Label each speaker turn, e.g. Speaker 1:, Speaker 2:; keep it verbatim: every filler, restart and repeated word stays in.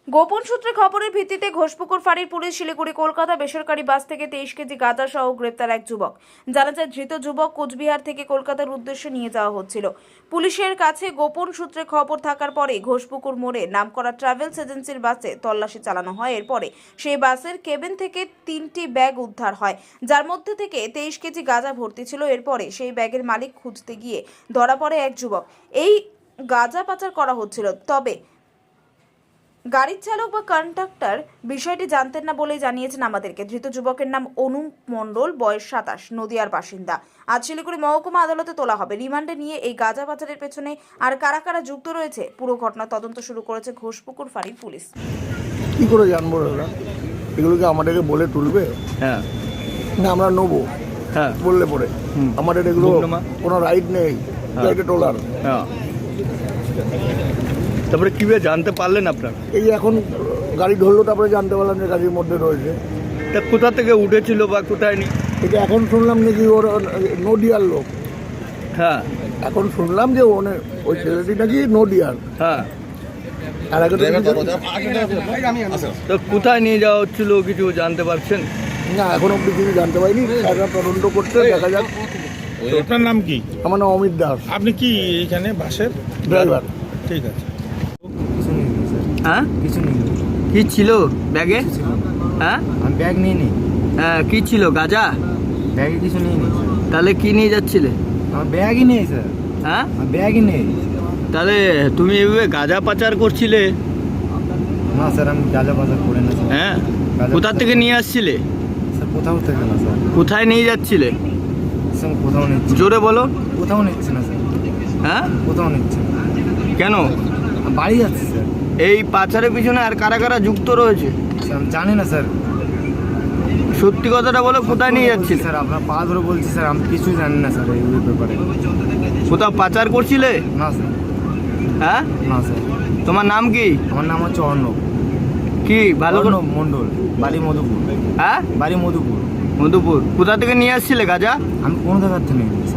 Speaker 1: গোপন সূত্রে খবরের ভিত্তিতে ঘোষপুকুর ফাঁড়ির পুলিশ শিলিগুড়ি কলকাতা বেসরকারি বাস থেকে তেইশ কেজি গাঁজা সহ গ্রেপ্তার এক যুবক। জানা যায় ধৃত যুবক কোচবিহার থেকে কলকাতার উদ্দেশ্যে নিয়ে যাওয়া হচ্ছিল। পুলিশের কাছে গোপন সূত্রে খবর থাকার পরে ঘোষপুকুর মোড়ে নামকরা ট্রাভেলস এজেন্সির বাসে তল্লাশি চালানো হয়। এরপরে সেই বাসের কেবিন থেকে তিনটি ব্যাগ উদ্ধার হয়, যার মধ্যে থেকে তেইশ কেজি গাঁজা ভর্তি ছিল। এরপরে সেই ব্যাগের মালিক খুঁজতে গিয়ে ধরা পড়ে এক যুবক। এই গাঁজা পাচার করা হচ্ছিল, তবে গাড়ির চালক বা কন্ডাক্টর বিষয়টি জানতেন না বলেই জানিয়েছেন আমাদেরকে। ধৃত যুবকের নাম অনু মণ্ডল, বয়স সাতাশ, নদিয়ার বাসিন্দা। আজ শিলিগুড়ি মহকুমা আদালতে তোলা হবে। রিমান্ডে নিয়ে এই গাঁজা পাচারের পেছনে আর কারা কারা যুক্ত রয়েছে পুরো ঘটনা তদন্ত শুরু করেছে ঘোষপুকুর ফাঁড়ির পুলিশ।
Speaker 2: কি করে জানবো দাদা? এগুলোকে আমাদেরকে বলে তুলবে?
Speaker 3: হ্যাঁ
Speaker 2: না আমরা নেবো
Speaker 3: হ্যাঁ
Speaker 2: বললে পরে আমাদের এগুলো
Speaker 3: বুকনামা?
Speaker 2: কোনো রাইট নেই গাড়িতে তোলার।
Speaker 3: হ্যাঁ তারপরে কীভাবে জানতে পারলেন আপনার?
Speaker 2: এই এখন গাড়ি ধরলো, তারপরে জানতে পারলাম যে গাড়ির মধ্যে রয়েছে।
Speaker 3: তা কোথা থেকে উঠেছিল বা কোথায় নি?
Speaker 2: এটা এখন শুনলাম নাকি ওর নদিয়ার লোক।
Speaker 3: হ্যাঁ
Speaker 2: এখন শুনলাম যে ওনে ওই ছেলেটি নাকি নদিয়ার।
Speaker 3: হ্যাঁ
Speaker 2: আর আগে তো
Speaker 3: তো কোথায় নিয়ে যাওয়া হচ্ছিল কিছু জানতে পারছেন?
Speaker 2: না, এখন অব্দি কিছু জানতে পারিনি। তারা তদন্ত করতে, দেখা যাক।
Speaker 4: আপনার নাম কি?
Speaker 2: আমার নাম অমিত দাস,
Speaker 4: আপনি কি এখানে বাসের
Speaker 2: ড্রাইভার।
Speaker 4: ঠিক আছে।
Speaker 3: হ্যাঁ
Speaker 5: কিছু নেই,
Speaker 3: কি ছিল ব্যাগে?
Speaker 5: কিছু ছিল না।
Speaker 3: হ্যাঁ
Speaker 5: আমি ব্যাগ নিয়ে নিই,
Speaker 3: হ্যাঁ কি ছিল? গাঁজা?
Speaker 5: ব্যাগে কিছু নিয়ে নিই স্যার।
Speaker 3: তাহলে কি নিয়ে যাচ্ছিলে?
Speaker 5: আমার ব্যাগই নেই স্যার,
Speaker 3: হ্যাঁ
Speaker 5: আমার ব্যাগই নেই।
Speaker 3: তাহলে তুমি এভাবে গাঁজা পাচার করছিলে?
Speaker 5: না স্যার, আমি গাঁজা বাজার করে না স্যার।
Speaker 3: হ্যাঁ
Speaker 5: গাঁজা
Speaker 3: কোথা
Speaker 5: পাচার-
Speaker 3: থেকে নিয়ে আসছিলে?
Speaker 5: স্যার কোথাও থেকে না স্যার,
Speaker 3: কোথায় নিয়ে যাচ্ছিলে?
Speaker 5: স্যার কোথাও নিচ্ছি,
Speaker 3: জোরে বলো।
Speaker 5: কোথাও নিচ্ছি না স্যার,
Speaker 3: হ্যাঁ
Speaker 5: কোথাও নিচ্ছি না।
Speaker 3: কেন?
Speaker 5: আমি বাড়ি যাচ্ছি স্যার।
Speaker 3: এই পাচারের পিছনে আর কারা কারা যুক্ত রয়েছে?
Speaker 5: স্যার আমি জানি না স্যার,
Speaker 3: সত্যি কথাটা বলো, কোথায় নিয়ে
Speaker 5: বলছি
Speaker 3: যাচ্ছিলে?
Speaker 5: স্যার, আপনার পা ধরে বলছি স্যার, আমি কিছু জানি না স্যার এই ব্যাপারে।
Speaker 3: কোথাও পাচার করছিলে?
Speaker 5: না স্যার,
Speaker 3: হ্যাঁ
Speaker 5: না স্যার।
Speaker 3: তোমার নাম কি?
Speaker 5: আমার নাম হচ্ছে অর্ণব,
Speaker 3: কি ভালো করে?
Speaker 5: অর্ণব মণ্ডল, বাড়ি মধুপুর।
Speaker 3: হ্যাঁ
Speaker 5: বাড়ি মধুপুর।
Speaker 3: মধুপুর। কোথা থেকে নিয়ে আসছিলে গাঁজা?
Speaker 5: আমি কোনো জায়গার থেকে নিই